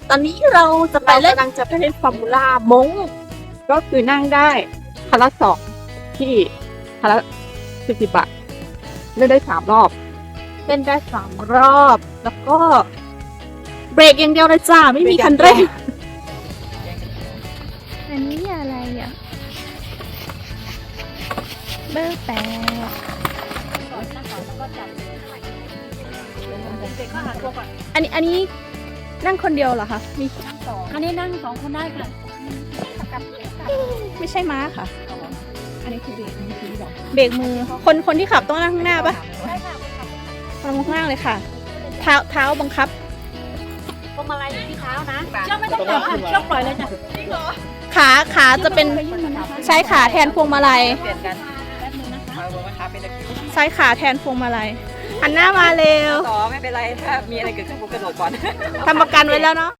ตอนนี้เราจะไปเราเล่นกำลังจะไปเล่นฟอร์มูล่ามงก็คือนั่งได้คันละ2ที่คันละ40 บาทเล่นได้3 รอบเล่นได้3 รอบ แล้วก็เบรกอย่างเดียวเลยจ้าไม่มีคันเร่งอันนี้อะไรอ่ะเบอร์8อันนี้นั่งคนเดียวเหรอคะมีอันนี้นั่ง2 คนได้ค่ะไม่ใช่ม้าค่ะ อันนี้คือเบรกมือเบรกมือคนที่ขับต้องนั่งข้างหน้าปะนั่งข้างล่างเลยค่ะ เท้าบังคับพวงมาลัยอยู่ที่เท้านะเชือกไม่ต้องปล่อยค่ะเชือกปล่อยเลยจ้ะขาจะเป็นใช้ขาแทนพวงมาลัยเปลี่ยนกันแป๊บนึงนะคะมาบอกว่าขาเป็นตะคริวใช้ขาแทนพวงมาลัยหันหน้ามาเร็วต่อไม่เป็นไรถ้ามีอะไรเกิดขึ้นผมกระโดดก่อนทำประกันไว้แล้วเนาะ